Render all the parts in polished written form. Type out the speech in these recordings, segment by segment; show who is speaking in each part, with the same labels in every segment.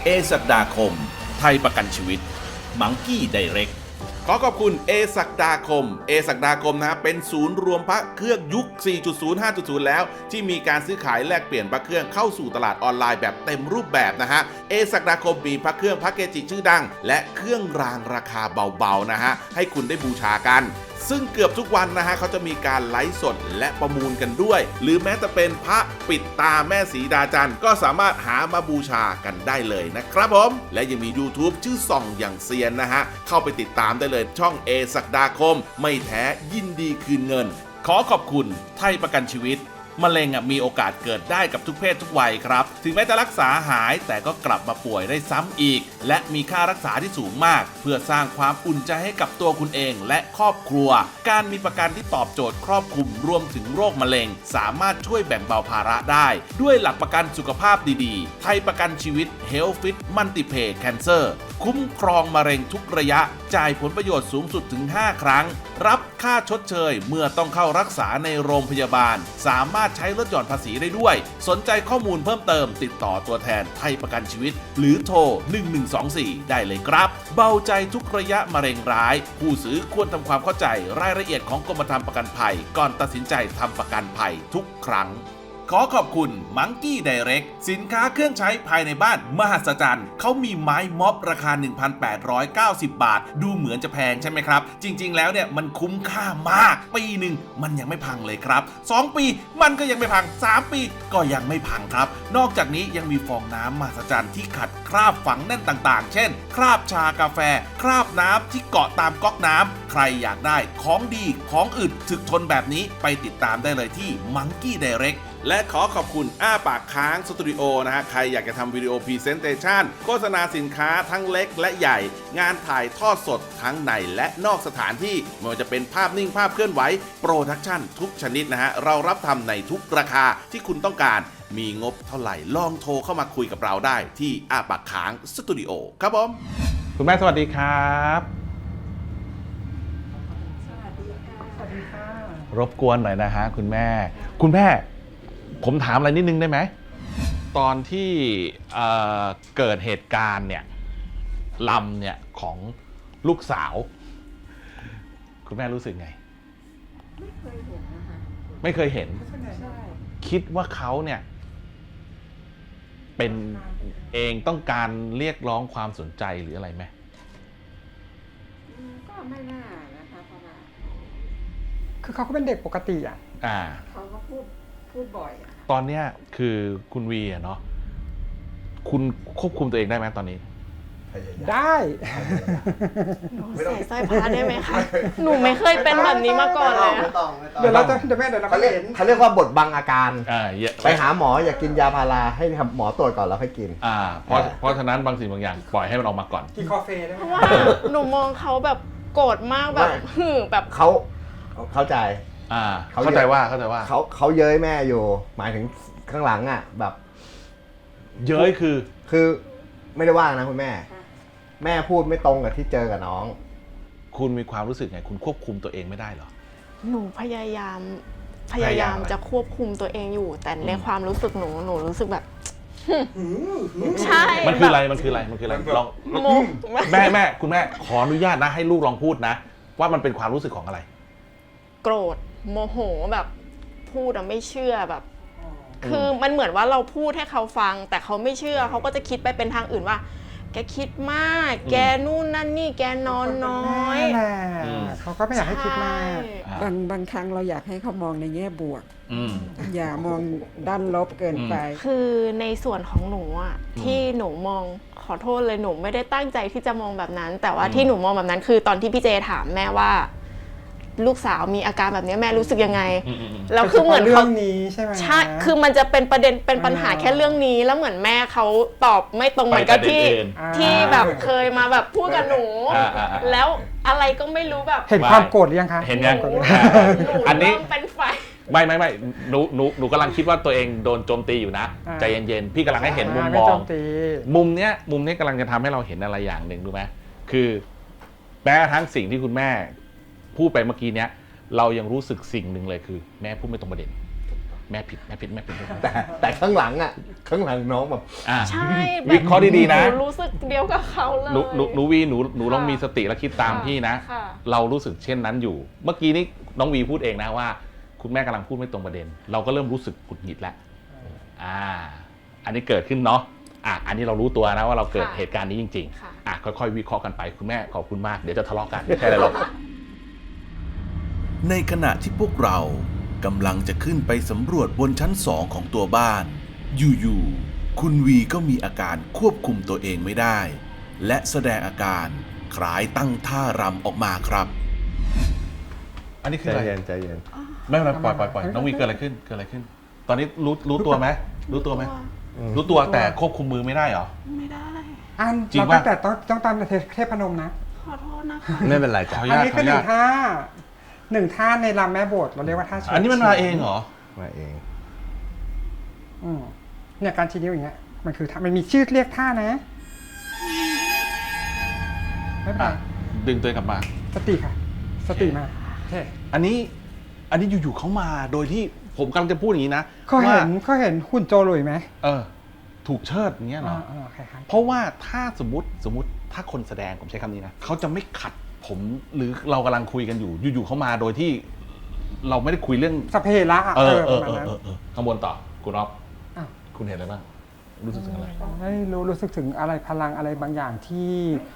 Speaker 1: ศักดาคมไทยประกันชีวิตมังกี้ไดเรกขอขอบคุณศักดาคมศักดาคมนะเป็นศูนย์รวมพระเครื่องยุค 4.0 5.0 แล้วที่มีการซื้อขายแลกเปลี่ยนพระเครื่องเข้าสู่ตลาดออนไลน์แบบเต็มรูปแบบนะฮะศักดาคมมีพระเครื่องพระเกจิชื่อดังและเครื่องรางราคาเบาๆนะฮะให้คุณได้บูชากันซึ่งเกือบทุกวันนะฮะเขาจะมีการไลฟ์สดและประมูลกันด้วยหรือแม้แต่เป็นพระปิดตาแม่สีดาจันทร์ก็สามารถหามาบูชากันได้เลยนะครับผมและยังมี YouTube ชื่อส่องอย่างเซียนนะฮะเข้าไปติดตามได้เลยช่องศักดาคมไม่แท้ยินดีคืนเงินขอขอบคุณไทยประกันชีวิตมะเร็งมีโอกาสเกิดได้กับทุกเพศทุกวัยครับถึงแม้จะรักษาหายแต่ก็กลับมาป่วยได้ซ้ำอีกและมีค่ารักษาที่สูงมากเพื่อสร้างความอุ่นใจให้กับตัวคุณเองและครอบครัวการมีประกันที่ตอบโจทย์ครอบคลุมรวมถึงโรคมะเร็งสามารถช่วยแบ่งเบาภาระได้ด้วยหลักประกันสุขภาพดีๆไทยประกันชีวิต Health Fit Multipay Cancer คุ้มครองมะเร็งทุกระยะจ่ายผลประโยชน์สูงสุดถึง5ครั้งรับค่าชดเชยเมื่อต้องเข้ารักษาในโรงพยาบาลสามารถใช้ลดหย่อนภาษีได้ด้วยสนใจข้อมูลเพิ่มเติมติดต่อตัวแทนไทยประกันชีวิตหรือโทร1124ได้เลยครับเบาใจทุกระยะมะเร็งร้ายผู้ซื้อควรทำความเข้าใจรายละเอียดของกรมธรรม์ประกันภัยก่อนตัดสินใจทำประกันภัยทุกครั้งขอขอบคุณมังกี้ไดเรกสินค้าเครื่องใช้ภายในบ้านมหัศจรรย์เขามีไม้ม็อบราคา 1,890 บาทดูเหมือนจะแพงใช่ไหมครับจริงๆแล้วเนี่ยมันคุ้มค่ามากปีหนึ่งมันยังไม่พังเลยครับ2ปีมันก็ยังไม่พัง3ปีก็ยังไม่พังครับนอกจากนี้ยังมีฟองน้ำมหัศจรรย์ที่ขัดคราบฝังแน่นต่างๆเช่นคราบชากาแฟคราบน้ำที่เกาะตามก๊อกน้ำใครอยากได้ของดีของอึดถึกทนแบบนี้ไปติดตามได้เลยที่มังกี้ไดเรกและขอขอบคุณอ้าปากค้างสตูดิโอนะฮะใครอยากจะทำวิดีโอพรีเซนเตชันโฆษณาสินค้าทั้งเล็กและใหญ่งานถ่ายทอดสดทั้งในและนอกสถานที่ไม่ว่าจะเป็นภาพนิ่งภาพเคลื่อนไหวโปรดักชั่นทุกชนิดนะฮะเรารับทำในทุกราคาที่คุณต้องการมีงบเท่าไหร่ลองโทรเข้ามาคุยกับเราได้ที่อ้าปากค้างสตูดิโอครับผม
Speaker 2: คุณแม่สวัสดีครับรบกวนหน่อยนะฮะคุณแม่ผมถามอะไรนิดนึงได้ไหมตอนที่เกิดเหตุการณ์เนี่ยลำเนี่ยของลูกสาวคุณแม่รู้สึกไง
Speaker 3: ไม่เคยเห็นนะคะ
Speaker 2: ไม่เคยเห็น
Speaker 3: ใช่
Speaker 2: คิดว่าเขาเนี่ยเป็นเองต้องการเรียกร้องความสนใจหรืออะไรไหม
Speaker 3: ก็ไม่น่านะคะเพราะว่า
Speaker 4: คือเขาก็เป็นเด็กปกติอ่ะ
Speaker 3: เขาก็พูดบ่อยอะ
Speaker 2: ตอนเนี้ยคือคุณวีเนาะคุณควบคุมตัวเองได้ไหมตอนนี้
Speaker 4: ได้
Speaker 5: หนูใส่สร้อยพระได้ไหมคะหนูไม่เคยเป็นแบบนี้มาก่อนเลย
Speaker 4: เดี๋ยวเราจะเดี๋ยวเราก็เห็น
Speaker 6: เขาเรียกว่าบทบังอาการไปหาหมออยากกินยาพาราให้หมอตรวจก่อนแล้วค่อยกิน
Speaker 2: เพราะฉะนั้นบางสิ่งบางอย่างปล่อยให้มันออกมาก่อน
Speaker 4: กินกาแฟได้ไหม
Speaker 5: เพราะว่าหนูมองเขาแบบโกรธมากแบบแบบ
Speaker 6: เขาเข้าใจ
Speaker 2: เข้าใจว่า
Speaker 6: เขาเย้ยแม่อยู่หมายถึงข้างหลังอ่ะแบบ
Speaker 2: เย้ย
Speaker 6: คือไม่ได้ว่านะคุณแม่พูดไม่ตรงกับที่เจอกับน้อง
Speaker 2: คุณมีความรู้สึกไงคุณควบคุมตัวเองไม่ได้เหรอ
Speaker 5: หนูพยายามจะควบคุมตัวเองอยู่แต่ในความรู้สึกหนูรู้สึกแบบใช่
Speaker 2: มันคืออะไรลองแม่คุณแม่ขออนุญาตนะให้ลูกลองพูดนะว่ามันเป็นความรู้สึกของอะไร
Speaker 5: โกรธโมโหแบบพูดไม่เชื่อแบบคือมันเหมือนว่าเราพูดให้เขาฟังแต่เขาไม่เชื่อเขาก็จะคิดไปเป็นทางอื่นว่าแกคิดมากแกนู่นนั่นนี่แกนอนน้อย
Speaker 4: เขาก็ไม่อยากให้คิดมาก
Speaker 3: บางครั้งเราอยากให้เขามองในแง่บวกอย่ามองด้านลบเกินไป
Speaker 5: คือในส่วนของหนูอ่ะที่หนูมองขอโทษเลยหนูไม่ได้ตั้งใจที่จะมองแบบนั้นแต่ว่าที่หนูมองแบบนั้นคือตอนที่พี่เจถามแม่ว่าลูกสาวมีอาการแบบนี้แม่รู้สึกยังไง
Speaker 4: แล้วคือเหมือนเรื่องนี้ใช่ไหม
Speaker 5: ใช่คือมันจะเป็นประเด็นเป็นปัญหาแค่เรื่องนี้แล้วเหมือนแม่เขาตอบไม่ตรงเหมือนกับที่แบบเคยมาแบบพูดกับหนูแล้วอะไรก็ไม่รู้แบบ
Speaker 4: เห็นความโกรธยังคะ
Speaker 2: เห็นยังอันนี้
Speaker 5: เป็นไฟ
Speaker 2: ไม่หนูกำลังคิดว่าตัวเองโดนโจมตีอยู่นะใจเย็นๆพี่กำลังให้เห็นมุมมองมุมเนี้ยกำลังจะทำให้เราเห็นอะไรอย่างหนึ่งรู้ไหมคือแม้ทั้งสิ่งที่คุณแม่พูดไปเมื่อกี้เนี้ยเรายังรู้สึกสิ่งหนึ่งเลยคือแม่พูดไม่ตรงประเด็นแม่ผิด
Speaker 6: แต่ข้างหลังอ่ะข้างหลังน้องแบบ
Speaker 2: อ่า
Speaker 5: ใช่
Speaker 2: วิเคราะห์ดีๆนะ
Speaker 5: หนูรู้สึกเดียวกับเขาเลย
Speaker 2: หนูวีหนูลองมีสติและคิดตามพี่นะ
Speaker 5: ค่ะ
Speaker 2: เรารู้สึกเช่นนั้นอยู่ เมื่อกี้นี้น้องวีพูดเองนะว่า คุณแม่กำลังพูดไม่ตรงประเด็น เราก็เริ่มรู้สึกหงุดหงิดแล้วอันนี้เกิดขึ้นเนาะอันนี้เรารู้ตัวนะว่าเราเกิดเหตุการณ์นี้จริง
Speaker 5: ค่ะ
Speaker 2: ๆค่อยๆวิเคราะห์กันไปคุณแม่ขอบคุณมากเดี๋ยวจะทะเลาะกันแค่ไหนหรอก
Speaker 1: ในขณะที่พวกเรากำลังจะขึ้นไปสำรวจบนชั้น2ของตัวบ้าน อยู่ๆคุณวีก็มีอาการควบคุมตัวเองไม่ได้ และแสดงอาการคล้ายตั้งท่ารำออกมาครับ
Speaker 2: อันนี้คือ
Speaker 6: ใจ
Speaker 2: อะไร
Speaker 6: เย็นใจเย็น
Speaker 2: ไม่เป็นไรปล่อยน้องวีเกิดอะไรขึ้นตอนนี้รู้ตัวไหมรู้ตัวไหมรู้ตัวแต่ควบคุมมือไม่ได้เหรอ
Speaker 5: ไม่ได้
Speaker 4: อัน
Speaker 2: จริง
Speaker 4: เรา
Speaker 2: ปะ
Speaker 4: ตั้งแต่ต้องตามเทพนมนะ
Speaker 5: ขอโทษนะคะ
Speaker 6: ไม่เป็นไรจ้ะ
Speaker 2: ขออนุ
Speaker 4: อัน
Speaker 2: ญาต
Speaker 4: นี้
Speaker 2: ขอ
Speaker 4: คือ
Speaker 2: อนุญาต
Speaker 4: หนึ่งท่าในรำแม่โบสถ์เราเรียกว่าท่าเฉิด
Speaker 2: อันนี้มันมาเองเหรอ
Speaker 6: มาเอง
Speaker 4: เนี่ยการชี้นิ้วอย่างเงี้ยมันคือท่ามันมีชื่อเรียกท่านะไม่เป็นไร
Speaker 2: ดึงตัวเองกลับมา
Speaker 4: สติค่ะ สติมาโอเค
Speaker 2: อันนี้อยู่ๆเขามาโดยที่ผมกำลังจะพูดอย่างนี้นะ
Speaker 4: เขาเห็นหุ่นโจหลุยไหม
Speaker 2: ถูกเชิดอย่างเงี้ยเหรอ
Speaker 4: โอเคครับ
Speaker 2: เพราะว่าถ้าสมมติถ้าคนแสดงผมใช้คำนี้นะเขาจะไม่ขัดผมหรือเรากำลังคุยกันอยู่ๆเขามาโดยที่เราไม่ได้คุยเรื่อง
Speaker 4: สพเพละอะประมาณนั้น
Speaker 2: ข้างบนต่อคุณอ๊อฟ
Speaker 4: อ้าว
Speaker 2: คุณเห็นอะไรบ้างรู้สึกถึงอะไร
Speaker 4: ไม่รู้สึกถึงอะไรพลังอะไรบางอย่างที่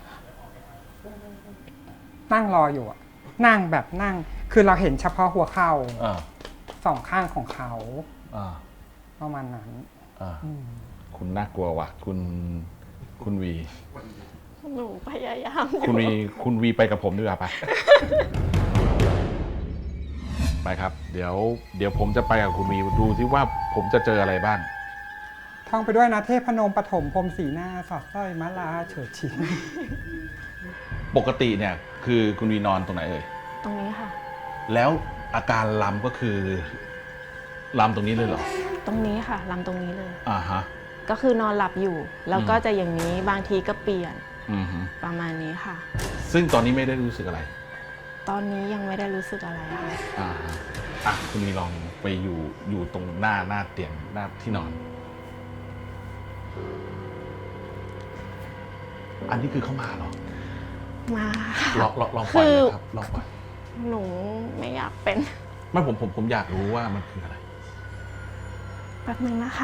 Speaker 4: นั่งรออยู่อะนั่งแบบนั่ง คือเราเห็นเฉพาะหัวเข่า
Speaker 2: อ่า
Speaker 4: สองข้างของเขา
Speaker 2: อ่า
Speaker 4: ประมาณนั้น
Speaker 2: อ่าคุณน่ากลัวว่ะคุณวี
Speaker 5: หนูพยายาม
Speaker 2: คุณวีไปกับผมดีกว่าไป ไปครับ เดี๋ยวผมจะไปกับคุณวีดูที่ว่าผมจะเจออะไรบ้าง
Speaker 4: ท่องไปด้วยนะเทพนมปฐมพรหมสีหน้าสอดสร้อยมะลาเฉิดฉิน
Speaker 2: ปกติเนี่ยคือคุณวีนอนตรงไหนเอ่ย
Speaker 5: ตรงนี้ค่ะ
Speaker 2: แล้วอาการลำก็คือลำตรงนี้เลยเหรอ
Speaker 5: ตรงนี้ค่ะลำตรงนี้เลย
Speaker 2: อ่าฮะ
Speaker 5: ก็คือนอนหลับอยู่ แล้วก็จะอย่างนี้บางทีก็เปลี่ยน
Speaker 2: อือฮึ
Speaker 5: ประมาณนี้ค่ะ
Speaker 2: ซึ่งตอนนี้ไม่ได้รู้สึกอะไร
Speaker 5: ตอนนี้ยังไม่ได้รู้สึกอะไรค่ะ
Speaker 2: อ่าฮะคุณวีลองไปอยู่ตรงหน้าเตียงหน้าที่นอน อันนี้คือเข้ามาเหรอ
Speaker 5: มา
Speaker 2: ลองปล่อยเลยครับลองปล่อย
Speaker 5: หนูไม่อยากเป็น
Speaker 2: ไม่ผมอยากรู้ว่ามันคืออะไร
Speaker 5: แป๊บนึงนะคะ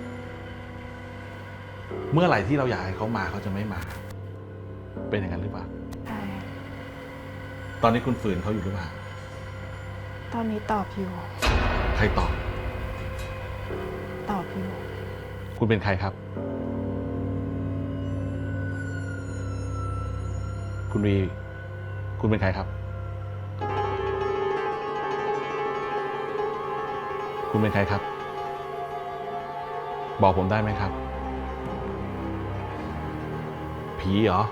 Speaker 2: เมื่อไหร่ที่เราอยากให้เขามาเขาจะไม่มา เป็นอย่างนั้นหรือเปล่า
Speaker 5: ใช่
Speaker 2: ตอนนี้คุณฝืนเขาอยู่หรือเปล่า
Speaker 5: ตอนนี้ตอบอยู่
Speaker 2: ใครตอบ
Speaker 5: ตอบอยู่
Speaker 2: คุณเป็นใครครับ คุณวี คุณเป็นใครครับ คุณเป็นใครครับ บอกผมได้ไหมครับ ผีเหรอ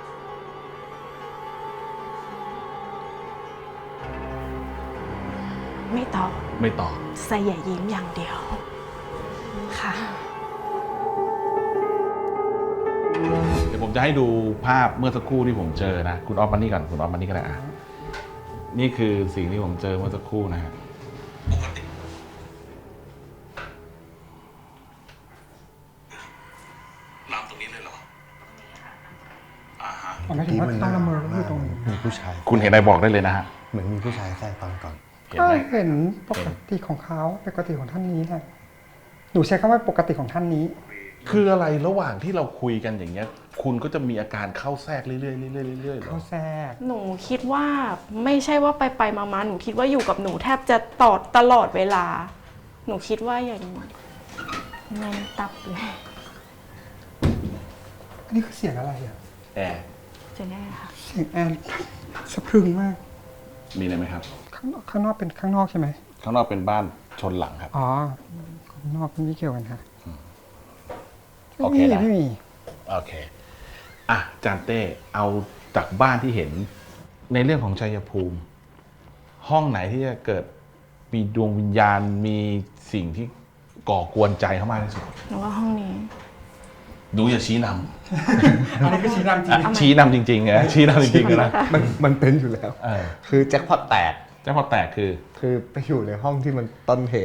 Speaker 5: ไม่ตอบ
Speaker 2: ไม่ตอบ
Speaker 5: ใส่อย่ายิ้มอย่างเดียว ค่ะ
Speaker 2: เดี๋ยวผมจะให้ดูภาพเมื่อสักครู่ที่ผมเจอนะ คุณออฟมานี่ก่อนคุณออฟมานี่ก็ได้นี่คือสิ่งที่ผมเจอเมื่อสักครู่นะฮะลำตรงนี้เลยเหรออ่าฮะ
Speaker 4: ผมไม่ถึงว่าต้องละเมอก็คือตรงนี้
Speaker 6: มีผู้ชาย
Speaker 2: คุณเห็นอะไรบอกได้เลยนะฮะ
Speaker 6: เหมือนมีผู้ชายแทรกตอนก่อน
Speaker 2: เห็น
Speaker 4: ก็
Speaker 2: ไหม
Speaker 4: เห็นปกติของเขาปกติของท่านนี้แหละหนูใช้คำว่าปกติของท่านนี้
Speaker 2: คืออะไรระหว่างที่เราคุยกันอย่างเงี้ย คุณก็จะมีอาการเข้าแทรกเรื่อยๆเรื่อยๆเรื่อยๆเหร
Speaker 4: เขา
Speaker 2: อ
Speaker 4: แทรก
Speaker 5: หนูคิดว่าไม่ใช่ว่าไปมาหนูคิดว่าอยู่กับหนูแทบจะตลอดเวลา หนูคิดว่าอย่างแน่นตับเลย
Speaker 4: อันนี้คือเสียงอะไรอ่ะ
Speaker 2: แอร์
Speaker 5: จะแน่ค่ะ
Speaker 4: เสียงแอนสะพรึงมาก
Speaker 2: มีอะไรไหมครับ
Speaker 4: ข้างนอกเป็นข้างนอกใช่ไหม
Speaker 2: ข้างนอกเป็นบ้านชนหลังครับ
Speaker 4: อ๋อข้างนอกไม่เกี่ยวกันค่ะ
Speaker 2: โอเคนะ
Speaker 4: ไม่มี
Speaker 2: โอเค จานเต้ เอาจากบ้านที่เห็นในเรื่องของชัยภูมิ ห้องไหนที่จะเกิดมีดวงวิญญาณ มีสิ่งที่ก่อกวนใจเขามากที่สุด
Speaker 5: หนูว่าห้องนี้
Speaker 2: ดูอย่าชี้น
Speaker 4: อันนี้คือชี้นำจริง
Speaker 2: ำชี้นำจริงๆนะชี้นำจริงๆนะ
Speaker 6: มันเป็นอยู่แล้ว
Speaker 2: เออ
Speaker 6: คือแจ็คพอตแตก
Speaker 2: แต่พอแตกคือ
Speaker 6: คือไปอยู่ในห้องที่มันต้นเหตุ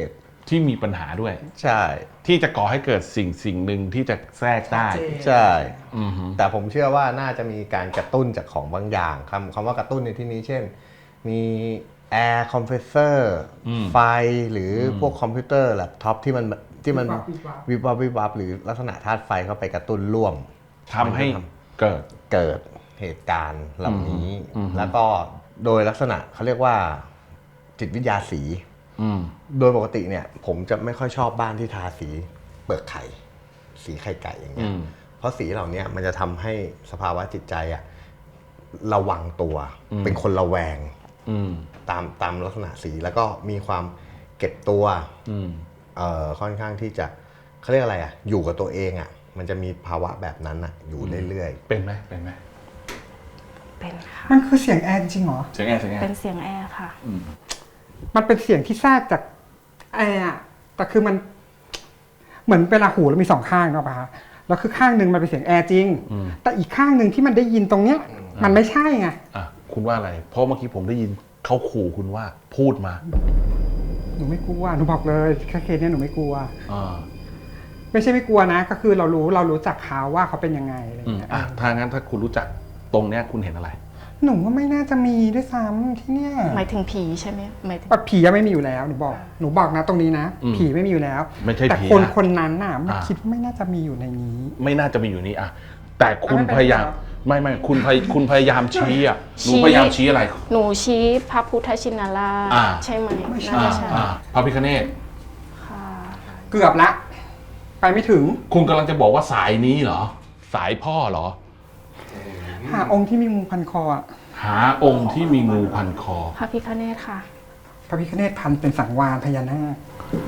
Speaker 2: ที่มีปัญหาด้วย
Speaker 7: ใช่
Speaker 2: ที่จะก่อให้เกิดสิ่งหนึ่งที่จะแทรกได้
Speaker 7: ใช่
Speaker 2: อือฮึ
Speaker 7: แต่ผมเชื่อว่าน่าจะมีการกระตุ้นจากของบางอย่างคำว่ากระตุ้นในที่นี้เช่น มีแอร์คอมเพรสเซอร์ไฟหรือพวกคอมพิวเตอร์แล็ปท็อปที่มันวิบวับหรือลักษณะธาตุไฟเข้าไปกระตุ้นร่วม
Speaker 2: ทำให้เกิด
Speaker 7: เหตุการณ์เหล่านี้ แล้วก็โดยลักษณะเขาเรียกว่าจิตวิทยาสี โดยปกติเนี่ยผมจะไม่ค่อยชอบบ้านที่ทาสีเปลือกไข่สีไข่ไก่อย่างเงี้ยเพราะสีเหล่านี้มันจะทำให้สภาวะจิตใจอะระวังตัวเป็นคนระแวงตามลักษณะสีแล้วก็มีความเก็บตัวค่อนข้างที่จะเขาเรียกอะไรอะอยู่กับตัวเองอะมันจะมีภาวะแบบนั้นอะอยู่เรื่อยๆ
Speaker 2: เป็นไหม
Speaker 8: เป็นค่ะ
Speaker 4: มันคือเสียงแอร์จริงเหรอ
Speaker 2: เสียงแอร์
Speaker 8: เป็นเสียงแอร์ค่ะ
Speaker 4: มันเป็นเสียงที่แทรกจากแอร์อะแต่คือมันเหมือนเวลาหูเรามีสองข้างเนาะป่ะแล้วคือข้างหนึ่งมันเป็นเสียงแอร์จริง แต่อีกข้างหนึ่งที่มันได้ยินตรงเนี้ย มันไม่ใช่ไง
Speaker 2: อ่ะคุณว่าอะไร เพราะเมื่อกี้ผมได้ยินเขาขู่คุณว่าพูดมา
Speaker 4: หนูไม่กลัวหนูบอกเลยแค่เคสเนี้ยหนูไม่กลัว
Speaker 2: อ่า
Speaker 4: ไม่ใช่ไม่กลัวนะ ก็คือเรารู้จักเขาว่าเขาเป็นยังไงอะไรเงี้ย
Speaker 2: อ่ะถ้างั้นถ้าคุณรู้จักตรงเนี้ยคุณเห็นอะไร
Speaker 4: หนูว่าไม่น่าจะมีด้วยซ้ำที่เนี่ย
Speaker 5: หมายถึงผีใช่ไหมหมายถึง
Speaker 4: ผียังไม่มีอยู่แล้วหนูบอกนะตรงนี้นะ ผีไม่มีอยู่แล้ว
Speaker 2: ไม่ใช่ผีนะ
Speaker 4: แต่คนนั้นน่ะไม่คิดว่าไม่น่าจะมีอยู่ในนี้
Speaker 2: ไม่น่าจะมีอยู่นี่อ่ะแต่คุณ
Speaker 4: ไม่เป็นไร
Speaker 2: พยายาม
Speaker 4: หรอ
Speaker 2: ไม่คุณพยายามชี้อ่ะหนูพยายามชี้อะไร
Speaker 5: หนูชี้พระพุทธชินราช
Speaker 2: อ่า
Speaker 5: ใช่ไหมน่าจะใช่
Speaker 2: พระพิฆเนศ
Speaker 5: ค่ะ
Speaker 4: เกือบละ ไปไม่ถึง
Speaker 2: คุณกำลังจะบอกว่าสายนี้เหรอ สายพ่อเหรอ
Speaker 4: หาองค์ที่มีงูพันคออะ
Speaker 2: หาองค์ที่มีงูพันคอ
Speaker 5: พระพิฆเนศค่ะ
Speaker 4: พระพิฆเนศพันเป็นสังวาลพญานาค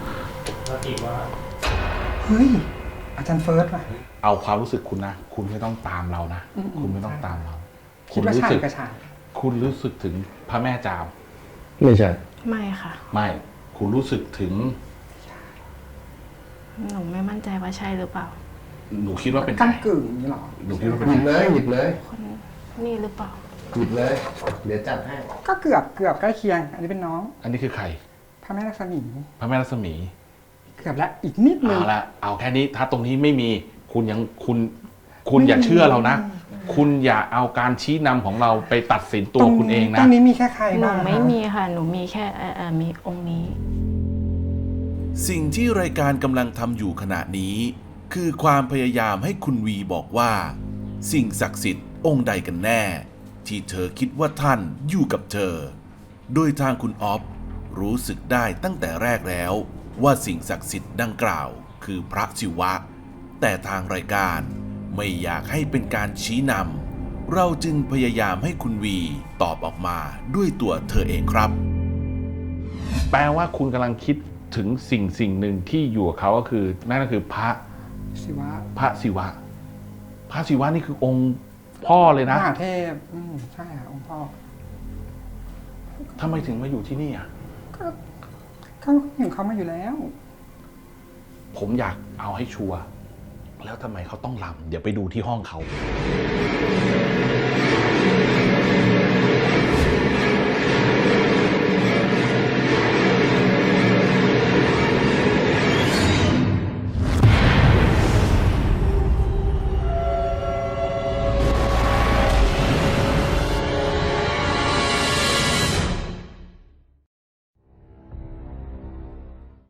Speaker 4: เฮ้ยอาจารย์เฟิร์สว่ะ
Speaker 2: เอาความรู้สึกคุณนะ คุณไม่ต้องตามเรานะ คุณไม่ต้องตามเรา
Speaker 4: คิดว่า
Speaker 2: รู้
Speaker 4: ใช่
Speaker 2: สึก
Speaker 4: ก็ใช่
Speaker 2: คุณรู้สึกถึงพระแม่จาม
Speaker 7: ไม่ใช่
Speaker 5: ไม่ค่ะ
Speaker 2: ไม่ คุณรู้สึกถึง
Speaker 5: หนูไม่มั่นใจว่าใช่หรือเปล่า
Speaker 2: หนูคิดว่าเป็นใคร
Speaker 4: กั้งกึ่งอย่างนี้เหรอ
Speaker 2: หนูคิดว่าเป็น
Speaker 7: หยิบ
Speaker 2: ใคร
Speaker 7: เลยหยิบเลย
Speaker 5: คนนี่หรือเปล่า
Speaker 7: หยิบเลย เดี๋ยวจัดให้
Speaker 4: ก็เกือบใกล้เคียง อันนี้เป็นน้อง
Speaker 2: อันนี้คือใคร
Speaker 4: พระแม่ลักษมี
Speaker 2: พระแม่รัศมี
Speaker 4: เกือบแล้วอีกนิดนึง
Speaker 2: เอาละเอาแค่นี้ ถ้าตรงนี้ไม่มี คุณอย่าเชื่อเรานะ คุณอย่าเอาการชี้นำของเราไปตัดสินตัวคุณเอง
Speaker 4: ต
Speaker 2: นะ
Speaker 4: รงนี้มีแค่ใคร
Speaker 5: หนู
Speaker 4: บ้าง
Speaker 5: ไม่มีค่ะ หนูมีแค่มีองค์นี้
Speaker 1: สิ่งที่รายการกำลังทำอยู่ขณะนี้ คือความพยายามให้คุณวีบอกว่า สิ่งศักดิ์สิทธิ์องค์ใดกันแน่ ที่เธอคิดว่าท่านอยู่กับเธอ โดยทางคุณออฟรู้สึกได้ตั้งแต่แรกแล้วว่าสิ่งศักดิ์สิทธิ์ดังกล่าวคือพระศิวะ แต่ทางรายการไม่อยากให้เป็นการชี้นำเราจึงพยายามให้คุณวีตอบออกมาด้วยตัวเธอเองครับ
Speaker 2: แปลว่าคุณกำลังคิดถึงสิ่งหนึ่งที่อยู่กับเขาก็คือนั่นก็คือพระ
Speaker 4: ศิวะ
Speaker 2: พระศิวะ พระศิวะนี่คือองค์พ่อเลย
Speaker 4: ม
Speaker 2: นะ
Speaker 4: หาเทพใช่ค่ะองค์พ่อ
Speaker 2: ทำไมถึงมาอยู่ที่นี่อ่ะ
Speaker 4: เขาอยู่เขามาอยู่แล้ว
Speaker 2: ผมอยากเอาให้ชัวร์แล้วทำไมเขาต้องรำเดี๋ยวไปดูที่ห้องเขา